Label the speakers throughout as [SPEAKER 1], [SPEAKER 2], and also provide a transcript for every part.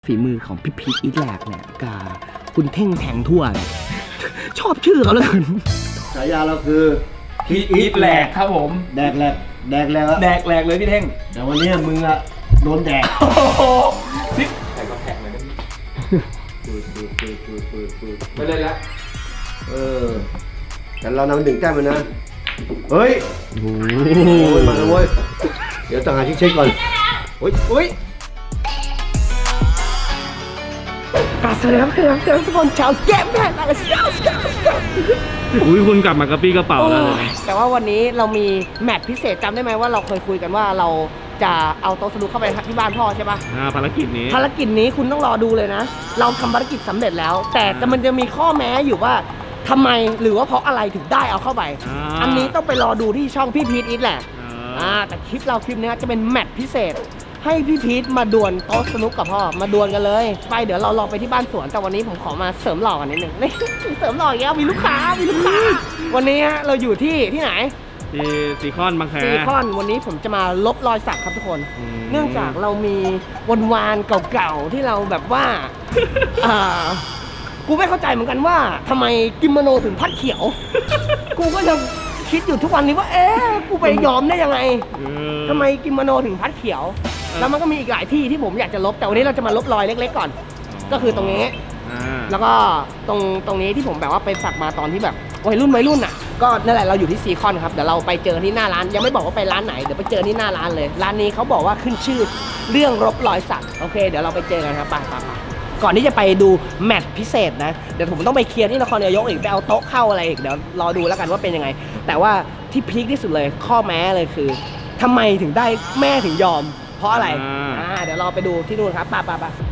[SPEAKER 1] ฝีมือของพี่พีทอีทแลกเนี่ยกับคุณเท่งแทงทั่วเนี่ยชอบชื่อเขาเลย
[SPEAKER 2] ฉายาเราคือ
[SPEAKER 3] พีทอีทแหลกครับผม
[SPEAKER 2] แดกแหลกแดกแหลก
[SPEAKER 3] แดกแหลกเลยพี่เท่ง
[SPEAKER 2] แต่วันนี้มึงอะโดนแดก
[SPEAKER 3] นี่แต่ก็แท็กเลยนะไม่เล่นแล้ว
[SPEAKER 2] แต่เรานำถึงแต้มเลยนะเฮ้ยโอ้ยมาแล้วเว้ยเดี๋ยวต้องหาที่เช็คก่อนโอ้ย
[SPEAKER 1] สวัสดีครับทุกคนชาวเกมแมนอะไรสเกล
[SPEAKER 4] อุ้ยคุณกลับมากระปี้กระเป๋าแล้ว
[SPEAKER 1] แต่ว่าวันนี้เรามีแมตช์พิเศษจำได้ไหมว่าเราเคยคุยกันว่าเราจะเอาโต๊ะสนุกเข้าไปที่บ้านพ่อใช่ปะ
[SPEAKER 4] ภารกิจ
[SPEAKER 1] นี้คุณต้องรอดูเลยนะเราทำภารกิจสำเร็จแล้วแต่มันจะมีข้อแม้อยู่ว่าทำไมหรือว่าเพราะอะไรถึงได้เอาเข้าไปอันนี้ต้องไปรอดูที่ช่องพี่พีทอีทแหละแต่คลิปนี้จะเป็นแมตช์พิเศษให้พี่พีทมาดวลโต๊ะสนุกกับพ่อมาดวลกันเลยไปเดี๋ยวเราลองไปที่บ้านสวนแต่วันนี้ผมขอมาเสริมหล่อกันนิดนึงนี่เสริมหล่ออีกแล้วมีลูกค้าวันนี้เราอยู่ที่ไหน
[SPEAKER 4] ซีคอนบางแค
[SPEAKER 1] ซีคอนวันนี้ผมจะมาลบรอยสักครับทุกคนเนื่องจากเรามีวานเก่าๆที่เราแบบว่ากูไม่เข้าใจเหมือนกันว่าทำไมกิโมโนถึงพัดเขียวกูก็ยังคิดอยู่ทุกวันนี้ว่ากูไปยอมได้ยังไงทำไมกิโมโนถึงพัดเขียวแล้วมันก็มีอีกหลายที่ที่ผมอยากจะลบแต่วันนี้เราจะมาลบรอยเล็กๆก่อนก็คือตรงนี้แล้วก็ตรงนี้ที่ผมแบบว่าไปสักมาตอนที่แบบวัยรุ่นอ่ะก็นั่นแหละเราอยู่ที่ซีคอนครับเดี๋ยวเราไปเจอที่หน้าร้านยังไม่บอกว่าไปร้านไหนเดี๋ยวไปเจอที่หน้าร้านเลยร้านนี้เขาบอกว่าขึ้นชื่อเรื่องลบรอยสักโอเคเดี๋ยวเราไปเจอกันครับไปก่อนที่จะไปดูแมตช์พิเศษนะเดี๋ยวผมต้องไปเคลียร์ที่นครนายกอีกไปเอาโต๊ะเข้าอะไรอีกเดี๋ยวรอดูแล้วกันว่าเป็นยังไงแต่ว่าที่พีคที่สุดเลยข้อแม้เลยคือทำไมถึงได้แม่ถึงยอมเพราะอะไรเดี๋ยวเราไปดูที่นู่นครับไป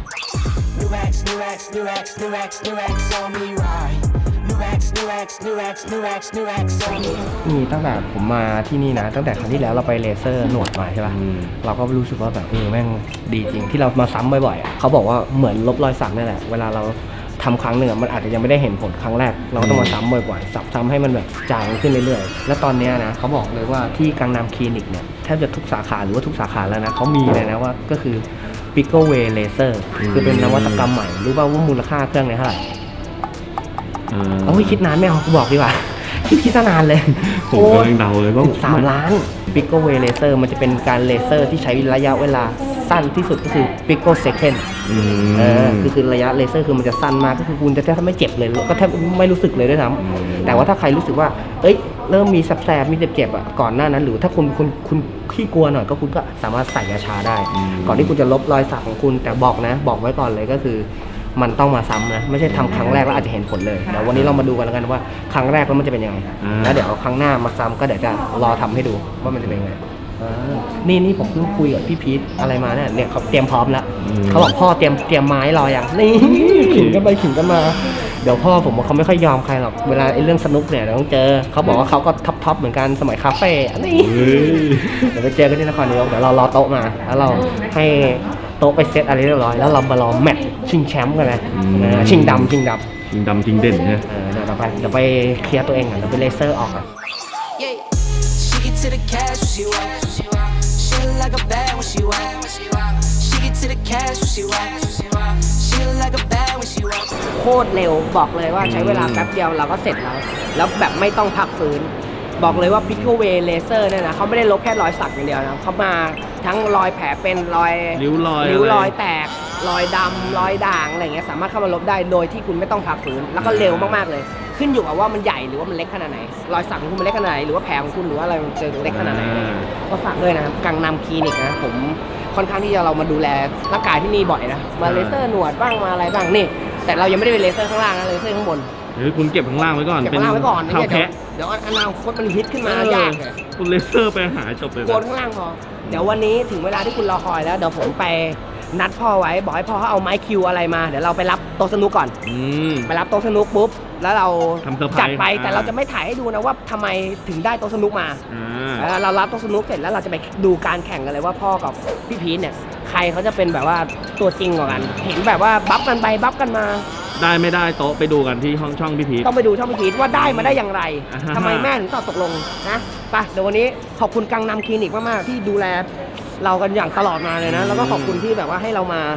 [SPEAKER 1] นี่ตั้งแต่ผมมาที่นี่นะตั้งแต่ครั้งที่แล้วเราไปเลเซอร์หนวดมาใช่ป่ะเราก็รู้สึกว่าแบบแม่งดีจริงที่เรามาซ้ำบ่อยๆเขาบอกว่าเหมือนลบรอยสักนั่นแหละเวลาเราทำครั้งหนึ่งมันอาจจะยังไม่ได้เห็นผลครั้งแรกเราก็ต้องมาซ้ำบ่อยๆซ้ำให้มันแบบจางขึ้นเรื่อยๆแล้วตอนนี้นะเขาบอกเลยว่าที่กังนามคลินิกเนี่ยแทบจะทุกสาขาหรือว่าทุกสาขาแล้วนะเขามีเลยนะว่าก็คือ Pico Way Laser คือเป็นนวัตกรรมใหม่รู้ป่าวว่ามูลค่าเครื่องเนี่ยเท่าไหร่คิดนานไม่เอากูบอกดีกว่าคิดนานเลย
[SPEAKER 4] ผมกำลังเดาเลยว่า
[SPEAKER 1] 3 ล้าน Pico Way Laser มันจะเป็นการเลเซอร์ที่ใช้ระยะเวลาสั้นที่สุดก็คือ Pico Second คือระยะเลเซอร์คือมันจะสั้นมากก็คือคุณจะแทบไม่เจ็บเลยก็แทบไม่รู้สึกเลยด้วยซ้ำแต่ว่าถ้าใครรู้สึกว่าเริ่มมีแสบๆมีเจ็บๆก่อนหน้านั้นหรือถ้าคุณขี้กลัวหน่อยก็คุณก็สามารถใส่ยาชาได้ก่อนที่คุณจะลบรอยสักของคุณแต่บอกไว้ก่อนเลยก็คือมันต้องมาซ้ำนะไม่ใช่ทำครั้งแรกแล้วอาจจะเห็นผลเลยเดี๋ยววันนี้เรามาดูกันแล้วกันว่าครั้งแรกแล้วมันจะเป็นยังไงแล้วเดี๋ยวครั้งหน้ามาซ้ำก็เดี๋ยวจะรอทำให้ดูว่ามันจะเป็นยังไงนี่ผมเพิ่งคุยกับพี่พีทอะไรมาเนี่ยเขาเตรียมพร้อมแล้วเขาบอกพ่อเตรียมไม้รออย่างนี่ขิงกันไปขิงกันมาเดี๋ยวพ่อผมว่าเขาไม่ค่อยยอมใครหรอกเวลาเรื่องสนุกเนี่ยเราต้องเจอเขาบอกว่าเขาก็ท็อปเหมือนกันสมัยคาเฟ่นี่เดี๋ยวไปเจอกันที่นครนายกเดี๋ยวเรารอโต๊ะมาแล้วเราให้โต๊ะไปเซตอะไรเรียบร้อยแล้วเรามารอแมตช์ชิงแชมป์กันเลยชิงดำชิง
[SPEAKER 4] เด่นเนี่ย
[SPEAKER 1] เดี๋ยวไปเคลียร์ตัวเองก่อนเดี๋ยวไปเลเซอร์ออกโคตรเร็วบอกเลยว่าใช้เวลาแป๊บเดียวเราก็เสร็จแล้วแบบไม่ต้องพักฟื้นบอกเลยว่า Pico Way Laser เนี่ยนะเขาไม่ได้ลบแค่รอยสักอย่างเดียวนะเขามาทั้งรอยแผลเป็นรอย
[SPEAKER 4] ริ้ว
[SPEAKER 1] รอยแตกรอยดำรอยด่างอะไรเงี้ยสามารถเข้ามาลบได้โดยที่คุณไม่ต้องพักฟื้นแล้วก็เร็วมากๆเลยขึ้นอยู่กับว่ามันใหญ่หรือว่ามันเล็กขนาดไหนรอยสักของคุณมันเล็กขนาดไหนหรือว่าแผลของคุณหรือว่าอะไรมันจะเล็กขนาดไหนก็ฝากด้วยนะกังนามคลินิกนะผมค่อนข้างที่จะเรามาดูแลร่างกายที่นี่บ่อยนะมาเลเซอร์หนวดบ้างมาอะไรบ้างนี่แต่เรายังไม่ได้เป็นเลเซอร์ข้างล่างนะเลเซอร์ข้างบน
[SPEAKER 4] คุณเก็บข้างล่างไว้ก่อน
[SPEAKER 1] เป็นเท้าแพะเดี๋ยวอนาคตมันฮิตขึ้นมายากเลย
[SPEAKER 4] คุณเลเซอร์ไปหาจบเลย
[SPEAKER 1] โกนข้างล่างพอเดี๋ยววันนี้ถึงเวลาที่คุณรอคอยแล้วเดี๋ยวผมไปนัดพ่อไว้บอกให้พ่อเขาเอาไม้คิวอะไรมาเดี๋ยวเราไปรับโต๊ะสนุกก่อนไปรับโต๊ะสนุกปุ๊บแล้วเราจัดไปแต่เราจะไม่ถ่ายให้ดูนะว่าทำไมถึงได้โต๊ะสนุกมาเรารับโต๊ะสนุกเสร็จแล้วเราจะไปดูการแข่งกันเลยว่าพ่อกับพี่พีทเนี่ยใครเขาจะเป็นแบบว่าตัวจริงกว่ากันเห็นแบบว่าบัฟกันไปบัฟกันมา
[SPEAKER 4] ได้ไม่ได้โต๊ะไปดูกันที่ช่องพี่พีท
[SPEAKER 1] ต้องไปดูช่องพี่พีทว่าได้มาได้อย่างไรทำไมแม่ถึงตกลงนะไปเดี๋ยววันนี้ขอบคุณกังนามคลินิกมากๆที่ดูแลเรากันอย่างตลอดมาเลยนะแล้วก็ขอบคุณที่แบบว่าให้เรามา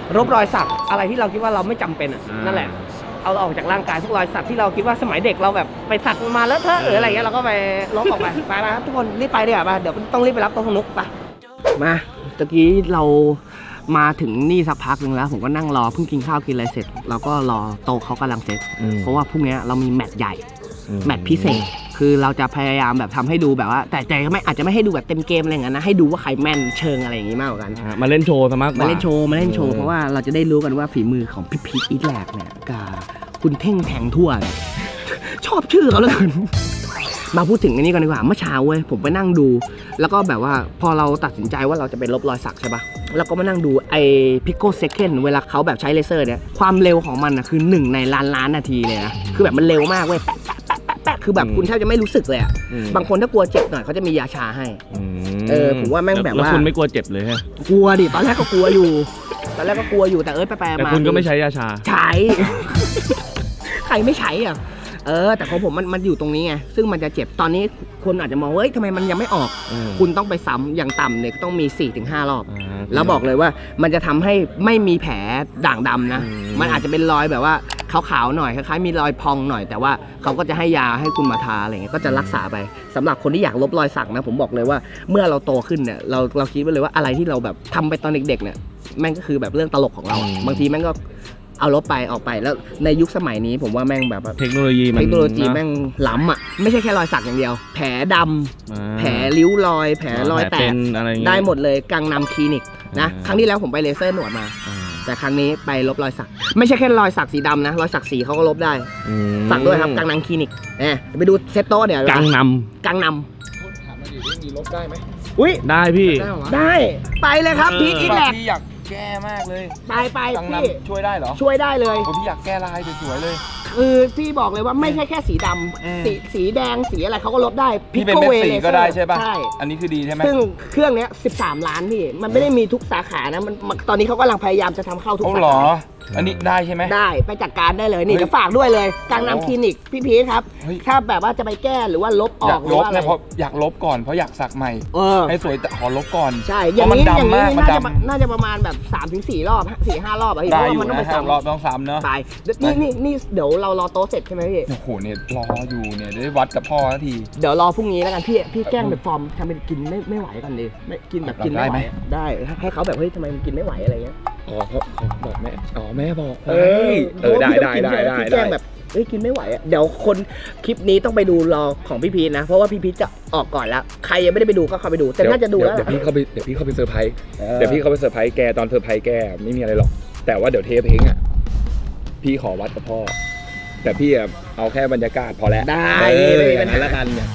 [SPEAKER 1] ลบรอยสักอะไรที่เราคิดว่าเราไม่จำเป็นนั่นแหละเอาออกจากร่างกายทุกรอยสักที่เราคิดว่าสมัยเด็กเราแบบไปสักมาแล้วเถอะหรืออะไรเงี้ยเราก็ไปลบออกไปไปครับทุกคนรีบไปดีกว่าไปเดี๋ยวต้องรีบไปรับโต๊ะสนุกไปมาตะกี้เรามาถึงนี่สักพักหนึ่งแล้วผมก็นั่งรอเพิ่งกินข้าวกินอะไรเสร็จเราก็รอโต๊ะเขากำลังเสร็จเพราะว่าพรุ่งนี้เรามีแมตช์ใหญ่แมตช์พิเศษคือเราจะพยายามแบบทำให้ดูแบบว่าแต่ไม่อาจจะไม่ให้ดูแบบเต็มเกมอะไรอย่างนั้นนะให้ดูว่าใครแม่นเชิงอะไรอย่างงี้มากกว่ากัน
[SPEAKER 4] มาเล่นโชว์ซะมากกว่า
[SPEAKER 1] มาเล่นโชว์เพราะว่าเราจะได้รู้กันว่าฝีมือของพี่พีทอีทแลกเนี่ยกับคุณเท่งแทงทั่วเนี่ยชอบชื่อเขาเลยมาพูดถึงอันนี้กันดีกว่าเมื่อเช้าเว้ยผมไปนั่งดู แล้วก็แบบว่าพอเราตัดสินใจว่าเราจะไปลบรอยสักใช่ปะแล้วก็มานั่งดูไอ้พิโกเซคันเวลาเขาแบบใช้เลเซอร์เนี่ยความเร็วของมันนะคือ1ในล้านนาทีเลยนะคือแบบมันเร็วมากเว้ยแปะคือแบบคุณแทบจะไม่รู้สึกเลยอะบางคนถ้ากลัวเจ็บหน่อยเขาจะมียาชาให้ผมว่าแม่งแบบว่า
[SPEAKER 4] แล้วคุณไม่กลัวเจ็บเลยฮะ
[SPEAKER 1] กลัวดิตอนแรกก็กลัวอยู่แต่ไป
[SPEAKER 4] แต่
[SPEAKER 1] ๆมา
[SPEAKER 4] คุณก็ไม่ใช้ยาชา
[SPEAKER 1] ใช้ ใครไม่ใช้อ่ะแต่ของผมมันอยู่ตรงนี้ไงซึ่งมันจะเจ็บตอนนี้คนอาจจะมองเฮ้ยทำไมมันยังไม่ออกคุณต้องไปซ้ำอย่างต่ำเนี่ยต้องมี 4-5 รอบแล้วบอกเลยว่ามันจะทำให้ไม่มีแผลด่างดำนะมันอาจจะเป็นรอยแบบว่าขาวๆหน่อยคล้ายๆมีรอยพองหน่อยแต่ว่าเขาก็จะให้ยาให้คุณมาทาอะไรเงี้ยก็จะรักษาไปสำหรับคนที่อยากลบรอยสักนะผมบอกเลยว่าเมื่อเราโตขึ้นเนี่ยเราคิดไว้เลยว่าอะไรที่เราแบบทำไปตอนเด็กๆเนี่ยแม่งก็คือแบบเรื่องตลกของเราบางทีแม่งก็เอาลบไปออกไปแล้วในยุคสมัยนี้ผมว่าแม่งแบบ
[SPEAKER 4] เทคโนโลยี
[SPEAKER 1] แม่งล้ำอ่ะไม่ใช่แค่รอยสักอย่างเดียวแผลดำแผลริ้วรอยแผลรอยแตกได้หมดเลยกังนำคลินิกนะครั้งที่แล้วผมไปเลเซอร์หนวดมาแต่ครั้งนี้ไปลบรอยสักไม่ใช่แค่รอยสักสีดำนะรอยสักสีเขาก็ลบได้สักด้วยครับกังนำคลินิกไปดูเซตโต้เดี๋ยว
[SPEAKER 4] กังน
[SPEAKER 3] ถามมาดิมีลบได้ไหม
[SPEAKER 1] อุ้ย
[SPEAKER 4] ได้พี่
[SPEAKER 1] ได้ไปเลยครับพีทอีทแลก
[SPEAKER 3] พี่อยากแก้มากเลย
[SPEAKER 1] ไป
[SPEAKER 3] กังนำช่วยได้เหรอ
[SPEAKER 1] ช่วยได้เลย
[SPEAKER 3] พี่อยากแก้ลายสวยๆเลย
[SPEAKER 1] คือพี่บอกเลยว่าไม่ใช่แค่สีดำสีแดงสีอะไรเขาก็ลบได้
[SPEAKER 3] พี่เป็นเม็ดสีก็ได้ใช่ป่ะใช่อันนี้คือดีใช่ไหม
[SPEAKER 1] ซึ่งเครื่องนี้13 ล้านพี่มันไม่ได้มีทุกสาขานะมันตอนนี้เขากำลังพยายามจะทำเข้าทุกสาขา
[SPEAKER 3] อันนี้ได้ใช่ไหม
[SPEAKER 1] ได้ไปจัดการได้เลยนี่จะฝากด้วยเลยกังนำคลินิกพี่พีทครับถ้าแบบว่าจะไปแก้หรือว่าลบออกหรือว่าอะไร
[SPEAKER 3] อยากลบก่อนเพราะอยากสักใหม่ให้สวยแต่ขอลบก่อน
[SPEAKER 1] ใช่อย่างนี้น่าจะประมาณแบบ 3-4 รอบ 4-5 รอบอะพี่เพราะว่ามันต้องไป
[SPEAKER 3] 3 รอบต้องซ้ำเนาะ
[SPEAKER 1] ไปนี่เดี๋ยวเรารอโต๊ะเสร็จใช่ไหมพี่
[SPEAKER 3] โอ้โหเนี่ยรออยู่เนี่ยได้วัดกับพ่อที
[SPEAKER 1] เดี๋ยวรอพรุ่งนี้แล้วกันพี่แกล้งเป็นฟอร์มทำเป็นกินไม่ไหวกันดิไม่กินแบบกินไม่ไหวได้ให้เขาแบบเฮ้ยทำไมมันกินไม่ไหวอะไรเงี้ย
[SPEAKER 3] บอกแม่แม่บอก
[SPEAKER 1] ได้แจ้งแบบกินไม่ไหวอ่ะเดี๋ยวคนคลิปนี้ต้องไปดูรอของพี่พีทนะเพราะว่าพี่พีทจะออกก่อนแล้วใครยังไม่ได้ไปดูก็เข้าไปดูแต่น่าจะดูแล้ว
[SPEAKER 3] เดี๋ยวพี่เข้าไปเซอร์ไพรส์แกตอนเซอร์ไพรส์แกไม่มีอะไรหรอกแต่ว่าเดี๋ยวเทปเองอ่ะพี่ขอวัดกับพ่อแต่พี่เอาแค่บรรยากาศพอแล้ว
[SPEAKER 1] ได้ไม่มีปัญหา
[SPEAKER 3] แล้วกันเนี่ย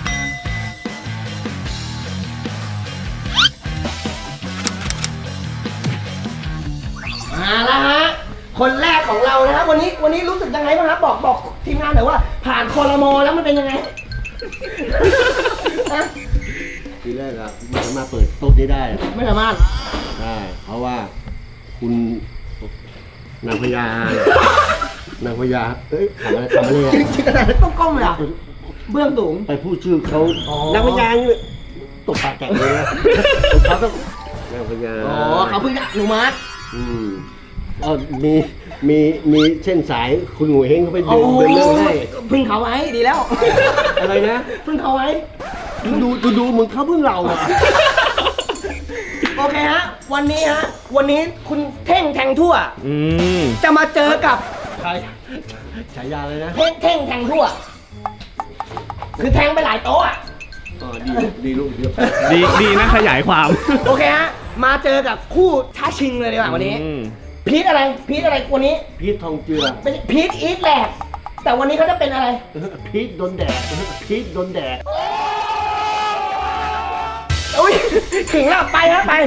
[SPEAKER 1] มาแล้วฮะคนแรกของเรานะครับวันนี้รู้สึกยังไงบ้างครับบอกทีมงานหน่อยว่าผ่านครม.แล้วมันเป็นยังไง
[SPEAKER 2] ทีแรกอะไม่สามารถเปิดโต๊ะได้
[SPEAKER 1] ไม่สามารถ
[SPEAKER 2] ได้เพราะว่าคุณนางพญาทำอะไรเลย
[SPEAKER 1] จิตนาต้องก้มเลยอ่ะเบื้องสูง
[SPEAKER 2] ไปพูดชื่อเขานางพญานี่ตกปากแกะเลยนะเขาต้องนางพญา
[SPEAKER 1] เขาเพิ่งอนุมัติ
[SPEAKER 2] มีเส้นสายคุณหนูเฮงเขาไปดูเป็นเรื่องให้
[SPEAKER 1] พึ่งเขาไว้ดีแล้ว
[SPEAKER 2] อะไรนะ
[SPEAKER 1] พึ่งเขาไว้
[SPEAKER 2] ดูมึงเขาพึ่งเราอะ
[SPEAKER 1] โอเคฮะวันนี้คุณเท่งแทงทั่วจะมาเจอกับ
[SPEAKER 2] ใครฉายาเลยนะ
[SPEAKER 1] เท่งแทงทั่วคือแทงไปหลายโต๊ะ
[SPEAKER 2] ดีลูกเดียว
[SPEAKER 4] ดีนะขยายความ
[SPEAKER 1] โอเคฮะมาเจอกับคู่ท้าชิงเลยดีกว่าวันนี้พีทอะไรวันนี้
[SPEAKER 2] พีททองเจือ
[SPEAKER 1] เป็นพีทอีทแลกแต่วันนี้เขาจะเป็นอะไร
[SPEAKER 2] พีทโดนแดด
[SPEAKER 1] อุ้ยขิงแล้วไปครับไป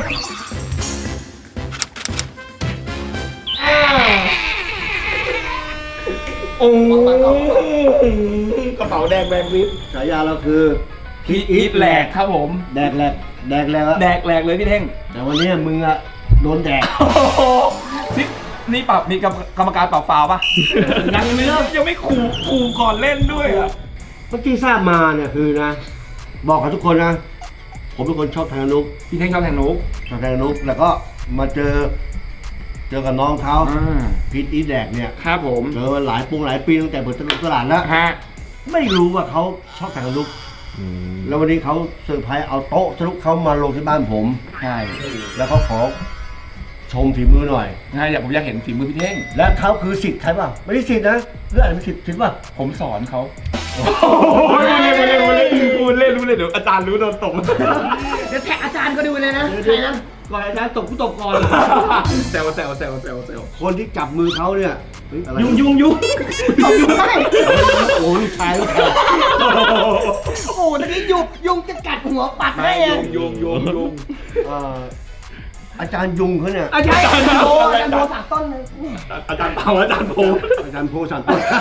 [SPEAKER 1] โอ้กระเป๋าแดงแบงวิป
[SPEAKER 2] ฉายาเราคือ
[SPEAKER 3] พีทอีทแลกครับผม
[SPEAKER 2] แดกแหลก
[SPEAKER 3] เลยพี่เท่ง
[SPEAKER 2] แต่วันนี้มึงอะโดนแดก
[SPEAKER 3] นี่ปรับมีกรรมการปรับฟาวป่ะยังไม่เริ่มยังไม่ขู่ก่อนเล่นด้วยอ่ะ
[SPEAKER 2] เมื่อกี้ทราบมาเนี่ยคือนะบอกกับทุกคนนะผมเป็นคนชอบแทงนุก
[SPEAKER 3] พี่เท่งชอบแทงนุก
[SPEAKER 2] แล้วก็มาเจอเจอกับน้องเขา
[SPEAKER 3] อ่า
[SPEAKER 2] พีทอีแดกเนี่ย
[SPEAKER 3] ครับผม
[SPEAKER 2] เจอมาหลายปีตั้งแต่เปิดตลาดแล้ว
[SPEAKER 3] ฮะ
[SPEAKER 2] ไม่รู้ว่าเขาชอบแต่งสนุกแล้ววันนี้เขาเซอร์ไพรส์เอาโต๊ะสนุกเขามาลงที่บ้านผม
[SPEAKER 3] ใช่
[SPEAKER 2] แล้วเขาขอชมฝีมือหน่อย
[SPEAKER 3] ใช่ผมอยากเห็นฝีมือพี่เท่ง
[SPEAKER 2] และเขาคือสิทธิ์ใครป่ะไม่ได้สิทธิ์นะเรื่องอะไรไม่สิทธิ์ป่ะ
[SPEAKER 3] ผมสอนเขาพูดเล่นเดี๋ยวอาจารย์รู้โดนตบ
[SPEAKER 1] เดี๋ยวแท็กอาจารย์ก็ดูเลยนะใครนะ
[SPEAKER 2] ก่อนอาจารย์ตบกูตบก่อน
[SPEAKER 3] แซว
[SPEAKER 2] คนที่จับมือเขาเนี่ยเฮ้อะไร
[SPEAKER 1] ยุงเอายุงได้
[SPEAKER 2] โอ้ลูกชาย
[SPEAKER 1] โอ้โหตอนนี้ยุงจะกัดหัวปัดให้อะ
[SPEAKER 3] ยุง
[SPEAKER 2] เอ่ออาจารย์ยุงเขาเนี่ย
[SPEAKER 1] อาจารย์โตสามต้นเลย
[SPEAKER 3] อาจารย์เปาอาจารย์โพ
[SPEAKER 2] อาจารย์โพสันต้น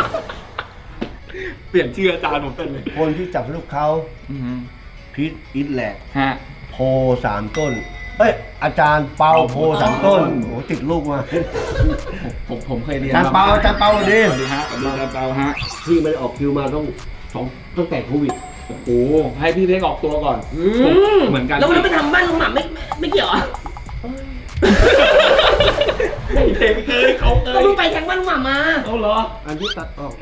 [SPEAKER 3] เปลี่ยนชื่ออาจารย์ผมเป็นเลย
[SPEAKER 2] คนที่จับลูกเขาพีทอิทแหลก
[SPEAKER 3] ฮะ
[SPEAKER 2] โพสามต้นเอ้ยอาจารย์เปาโพสามต้นโอ้ติดลูกมา
[SPEAKER 3] ผมเคยเรียน
[SPEAKER 2] อาจารย์เปาอาจารย์เปาดี
[SPEAKER 3] สวัสดีฮะสวัสดีอาจารย์เปาฮะ
[SPEAKER 2] พี่ไม่ได้ออกคิวมาตั้งแต่โควิด
[SPEAKER 3] โอ้โหให้พี่เท่งออกตัวก่อนเหมือนกัน
[SPEAKER 1] แล้วไปทำบ้านลุงหม่ำไม่เกี่ยวอ่ะ
[SPEAKER 3] เท่งเขา
[SPEAKER 1] ก็เพิ่งไปแทงบ้านลุงหม่ำมา
[SPEAKER 3] เอาเหรอ
[SPEAKER 2] อันที่ตัดออก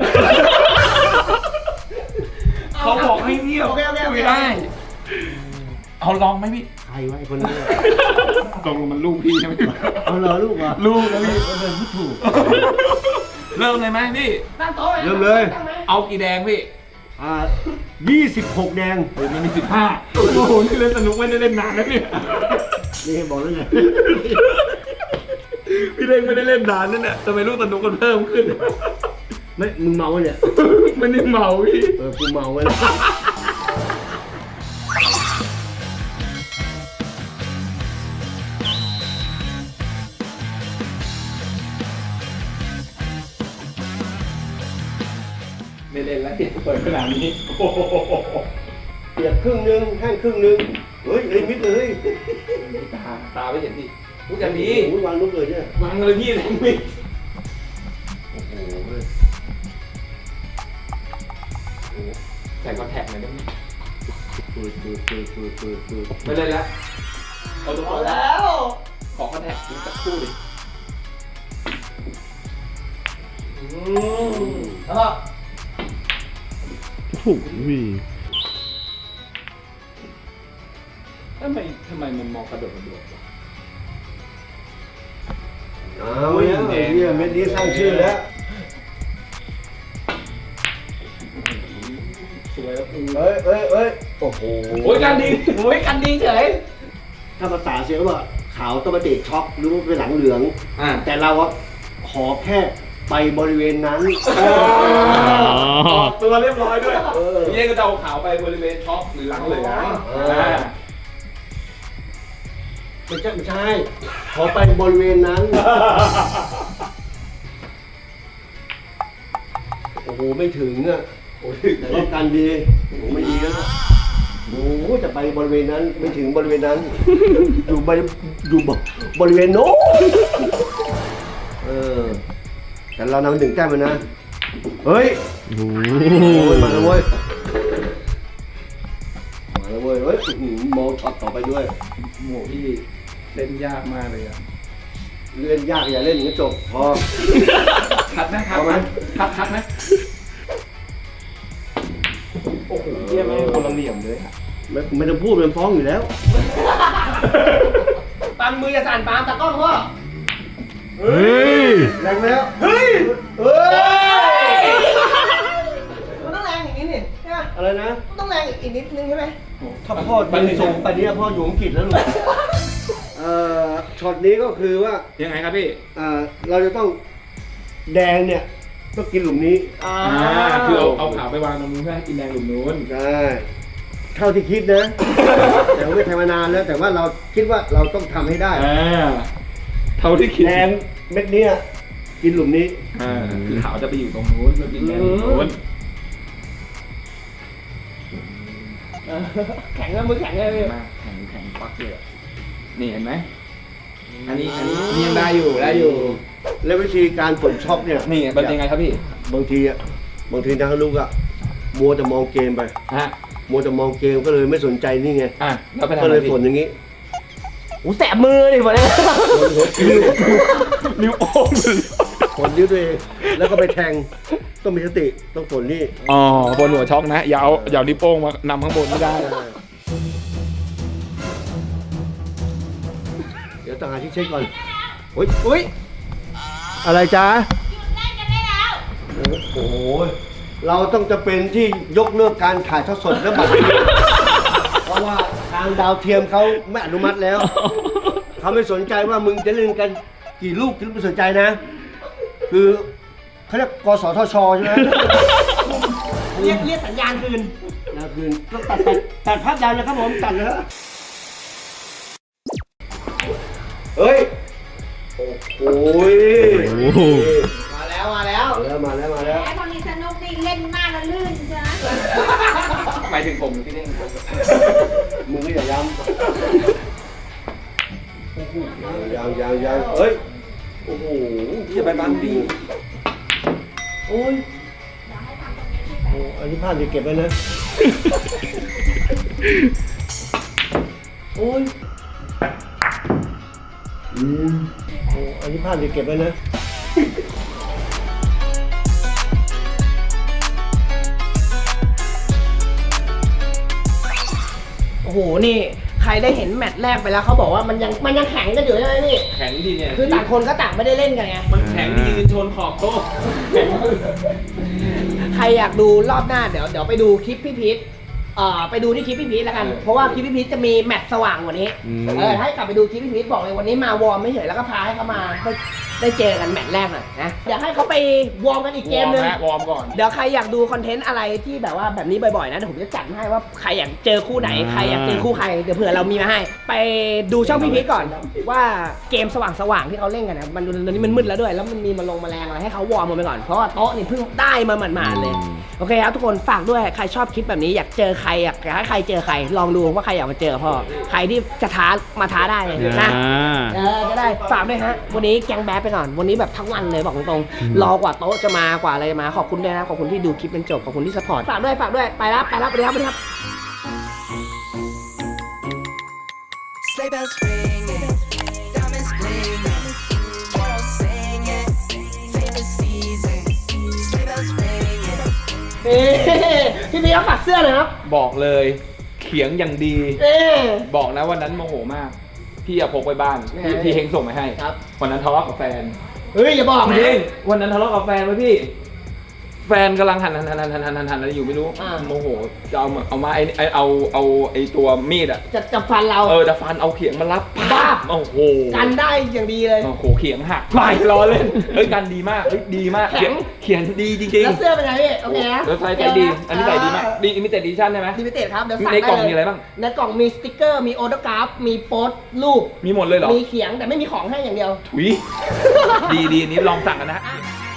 [SPEAKER 3] เขาบอกให้เงียบ
[SPEAKER 1] โอเค
[SPEAKER 3] ไม่ได้ เอาลองไหมพี่
[SPEAKER 2] ใครวะไอ้คนนี้
[SPEAKER 3] ตรงมันลูกพี่ใช่ไหม
[SPEAKER 2] เอาเหรอลูกเหรอ
[SPEAKER 3] ลูกนะพี่
[SPEAKER 2] เอาเดินพูดถูก
[SPEAKER 3] เริ่มเลยไหมพี่
[SPEAKER 1] ตั้งโต๊ะ
[SPEAKER 2] เริ่มเลย
[SPEAKER 3] เอากี่แดงพี่
[SPEAKER 2] 26 แดง
[SPEAKER 3] โอ้ยมันมี15โอ้โหนี่เล่นสนุกไม่ได้เล่นนานนะเนี่ย
[SPEAKER 2] นี่บอกแล้วไง
[SPEAKER 3] พี่เล่นไม่ได้เล่นนานนั่นแหละทำไมลูกสนุกกันเพิ่มขึ้น
[SPEAKER 2] ไม่มึงเมาเนี่ย
[SPEAKER 3] ไม่ได้เมาพี่
[SPEAKER 2] กูเมาไว้แล้ว
[SPEAKER 3] ไม่เล่นแล้วพี่เปิดขนาดนี้โอ้โห
[SPEAKER 2] เปียกครึ่งนึงแห้งครึ่งนึงเฮ้ยเลยมิดเลย
[SPEAKER 3] ตาไม่เห็นดิพูดอย่างนี้
[SPEAKER 2] โอ้ยวางลูกเลยเนี่ยว
[SPEAKER 3] างเลยพี่เลยมิด
[SPEAKER 2] โอ้โห
[SPEAKER 3] ใส่คอนแทคหน่อยได้ไหม
[SPEAKER 2] ปืด
[SPEAKER 3] ไม่เล่นแล้วเอาตัว
[SPEAKER 1] พอแล้ว
[SPEAKER 3] ขอคอนแทคนิดสักครู่ดิ
[SPEAKER 1] แล้วก็
[SPEAKER 4] โอ้โห
[SPEAKER 3] ทำไมมันมองกระโดดวะ
[SPEAKER 2] เอาแล้วไอ้เนี่ยเม็ดนี้สร้างชื่อแล้ว
[SPEAKER 3] สวยแล้ว
[SPEAKER 2] เอ้ยโอ้โห
[SPEAKER 3] โอ้ยการดี
[SPEAKER 1] โอ้ยกันดีเฉย
[SPEAKER 2] ถ้าภาษาเสียงว่าขาวต้องมาติดช็อกหรือว่าเป็นหลังเหลือง แต่เราอะขอแค่ไปบริเวณนั้น
[SPEAKER 3] ออกตัวเรียบร้อยด้วย
[SPEAKER 2] เออ
[SPEAKER 3] พี่เองก็จะเอาขาวไปบริเวณช็อปหรือหลังเหลือง
[SPEAKER 2] ไม่ใช่ ขอไปบริเวณนั้น โอ้โห ไม่ถึงอ่ะ
[SPEAKER 3] โอ้ย
[SPEAKER 2] แต่ว่าการดีโอ้โหไม่ดีแล้วโอ้โหจะไปบริเวณนั้น ไม่ถึงบริเวณนั้น อยู่บริเวณโน้นแต่เรานำถึงแต้มมันนะ เฮ้ย
[SPEAKER 4] โอ้
[SPEAKER 2] โอ้ยมาแล้วเว้ย มาแล้วเว้ย เฮ้ยอื้อหือมองช็อตต่อไปด้วย
[SPEAKER 3] โหพี่เล่นยากมากเลยอะ
[SPEAKER 2] เล่นยากอย่าเล่นอย่างนี้จบ พอ
[SPEAKER 3] คัดไหมครับ
[SPEAKER 2] เอาไหม
[SPEAKER 3] คัดไหมโอ้โหเยี่ยมไหมคนละเหลี่ยมเลยอะ
[SPEAKER 2] ไม่ต้องพูดมันฟ้องอยู่แล้ว
[SPEAKER 1] ปันมือจะสั่นปามตากล้องพ่อ
[SPEAKER 4] เฮ้ย
[SPEAKER 2] แรงแล้ว
[SPEAKER 3] เฮ้ย
[SPEAKER 2] เฮ้ย
[SPEAKER 1] มันต้องแรงอย่างนี้นี่ใช่ไหม
[SPEAKER 2] อะไรนะ
[SPEAKER 1] มันต้องแรงอีกนิดนึงใช่ไหม
[SPEAKER 2] ถ้าพ่อยืนสูงไปนี้พ่ออยู่อังกฤษแล้วลูกช็อตนี้ก็คือว่า
[SPEAKER 3] ยังไงครับพี่
[SPEAKER 2] เราจะต้องแดงเนี่ยต้องกินหลุมนี้
[SPEAKER 3] คือเอาขาวไปวางตรงนู้นเพื่อให้กินแดงหลุมนู้น
[SPEAKER 2] ใช่เท่าที่คิดนะ แต่ว่าไม่ทำมานานแล้ว แต่ว่าเราคิดว่าเราต้องทำให้ได้
[SPEAKER 3] เท่าที่คิด
[SPEAKER 2] แดงเม็ดเนี้ยกินหลุมนี้
[SPEAKER 3] คือขาวจะไปอยู่ตรงนู้นจะกินแดงหลุมนู้น
[SPEAKER 1] แข็งแล้วมือแข็งเลยพี่
[SPEAKER 3] มาแข็งปักเลยอะนี่เห็นไหมอันนี้ยังได้อยู่
[SPEAKER 2] แล้ววิธีการฝนช็อปเนี่ย
[SPEAKER 3] นี่เป็นยังไงครับพี่
[SPEAKER 2] บางทีทางลูกอะมัวแต่มองเกมไป
[SPEAKER 3] ฮะ
[SPEAKER 2] มัวแต่มองเกมก็เลยไม่สนใจนี่ไง
[SPEAKER 3] แล้วไปทำ
[SPEAKER 2] ก็
[SPEAKER 3] อะไร
[SPEAKER 2] เลย
[SPEAKER 3] พี่
[SPEAKER 2] ฝนอย่างนี้
[SPEAKER 1] โอ้แสบมือดิผมเนี่ย
[SPEAKER 3] นิ้วโป้ง
[SPEAKER 2] ผลนิ้วตัวเองแล้วก็ไปแทงต้องมีสติต้องผลนี่
[SPEAKER 3] อ๋อบนหัวช็อกนะอย่าเอานิ้วโป้งมานำข้างบนไม่ได้
[SPEAKER 2] เดี๋ยวต่างหากที่เช็คก่อนอุ้ยอะไรจ๊ะโอ้โหเราต้องจะเป็นที่ยกเลิกการถ่ายทอดสดและบัตรเพราะว่าทางดาวเทียมเขาไม่อนุมัติแล้วเขาไม่สนใจว่ามึงจะเล่นกันกี่ลูกที่ไม่สนใจนะ คือเขาเรียกกสทชใช่ไหม
[SPEAKER 1] เรียกสัญญาณคืน
[SPEAKER 2] นะคืนต้องตัดภาพยาวนะครับผมตัดเลยฮะเฮ้ยโอ้โห
[SPEAKER 1] มาแล้ว
[SPEAKER 2] มาแล้ว
[SPEAKER 5] แหมตอนนี้สนุกนี่เล่นมากแล้วลื่นใช่ไหม
[SPEAKER 3] หมายถึงผมที่นี่
[SPEAKER 2] มึงก็อย่าย้ำยังเฮ้ยโอ้โหอย่าไปบังดิโอ้ยโอ้อันนี้ภาพจะเก็บไว้นะโอ้ยโอ้อันนี้ภาพจะเก็บไว้นะ
[SPEAKER 1] โอ้โหนี่ใครได้เห็นแมตช์แรกไปแล้วเขาบอกว่ามันยังแข็งกันอยู่ใช่ไหมพี่
[SPEAKER 3] แข็งดีเนี่ย
[SPEAKER 1] คือต่างคนก็ต่างไม่ได้เล่นกันไง
[SPEAKER 3] มันแข็งดีจนชนขอบโต๊ะ
[SPEAKER 1] ใครอยากดูรอบหน้าเดี๋ยวไปดูคลิปพี่พีทไปดูที่คลิปพี่พีทแล้วกัน เพราะว่าคลิปพี่พีทจะมีแมตช์สว่างกว่านี้ ให้กลับไปดูคลิปพี่พีทบอกเลยวันนี้มาวอร์มไม่เฉยแล้วก็พาให้เขามาได้เจอกันแมตช์แรกหน่อยนะเดี๋ยวให้เขาไปวอร์มกันอีกเกมหนึง
[SPEAKER 3] วอร์มก่อน
[SPEAKER 1] เดี๋ยวใครอยากดูคอนเทนต์อะไรที่แบบว่าแบบนี้บ่อยๆนะเดี๋ยวผมจะจัดให้ว่าใครอยากเจอคู่ไหนใครอยากเจอคู่ใครเดี๋ยวเผื่อเรามีมาให้ ไปดูช่องพี่พีทก่อนว่าเกมสว่างๆที่เขาเล่นกันนะมันตอนนี้มันมืดแล้วด้วยแล้วมันมีมาลงแมลงอะไรให้เขาวอร์มมันไปก่อนเพราะว่าโต๊ะนี่เพิ่งได้มาหมาดๆเลยโอเคครับทุกคนฝากด้วยใครชอบคลิปแบบนี้อยากเจอใครอยากให้ใครเจอใครลองดูว่าใครอยากมาเจอพ่อใครที่จะท้ามาท้าได้เลยนะ ก็ได้ฝากด้วยฮะวันนี้แกงแบ๊บไปก่อนวันนี้แบบทั้งวันเลยบอกตรงๆรอกว่าโต๊ะจะมากว่าอะไรจะมาขอบคุณด้วยนะขอบคุณที่ดูคลิปจนจบขอบคุณที่สปอร์ตฝากด้วยไปแล้วสวัสดีครับ
[SPEAKER 6] Sleigh bells ringing, diamonds gleaming, carols singing, favorite season. Sleigh bells ringing.
[SPEAKER 1] พี่พีเขาฝากเสื้อหน่อยครับ
[SPEAKER 3] บอกเลยเขียงอย่างดี
[SPEAKER 1] เอ๊ะ
[SPEAKER 3] บอกนะวันนั้นโมโหมาก พี่อะพกไปบ้านพี่เฮงส่งมาให้
[SPEAKER 1] ครับ
[SPEAKER 3] วันนั้นทะเลาะกับแฟน
[SPEAKER 1] เฮ้ยอย่าบอกนะ
[SPEAKER 3] จริงวันนั้นทะเลาะกับแฟนไว้พี่ แฟนกำลังหั่นอะไรอยู่ไม่รู้
[SPEAKER 1] อ่า
[SPEAKER 3] โมโหจะเอามาเอาไอ้ตัวมีดอะ
[SPEAKER 1] จะฟันเรา
[SPEAKER 3] จะฟันเอาเขียงมารับ
[SPEAKER 1] บ้า
[SPEAKER 3] โอ้โห
[SPEAKER 1] กันได้อย่างดีเลย
[SPEAKER 3] โอ้โหเขียงหักไม่ล้อเล่นเฮ้ยกันดีมากเฮ้ยดีมาก
[SPEAKER 1] แข็ง
[SPEAKER 3] เขียนดีจริง
[SPEAKER 1] แล้วเสื้อเป็นไงพี่โอเคนะ
[SPEAKER 3] แล้วใส่ดีอันนี้ใส่ดีมากดีมิเต็ดดิชั่นใช่ไหม
[SPEAKER 1] ลิมิเต็ดครับเดี๋ยวสั่ง
[SPEAKER 3] ใน
[SPEAKER 1] ได้
[SPEAKER 3] กล่อง
[SPEAKER 1] เลย
[SPEAKER 3] มีอะไรบ้าง
[SPEAKER 1] ในกล่องมีสติกเกอร์มีโอโตกราฟมีโปสรูป
[SPEAKER 3] มีหมดเลยเหรอ
[SPEAKER 1] มีเขียงแต่ไม่มีของให้อย่างเดียว
[SPEAKER 3] ถุยดีอันนี้ลองสั่งกันนะฮะ
[SPEAKER 1] อ่ะ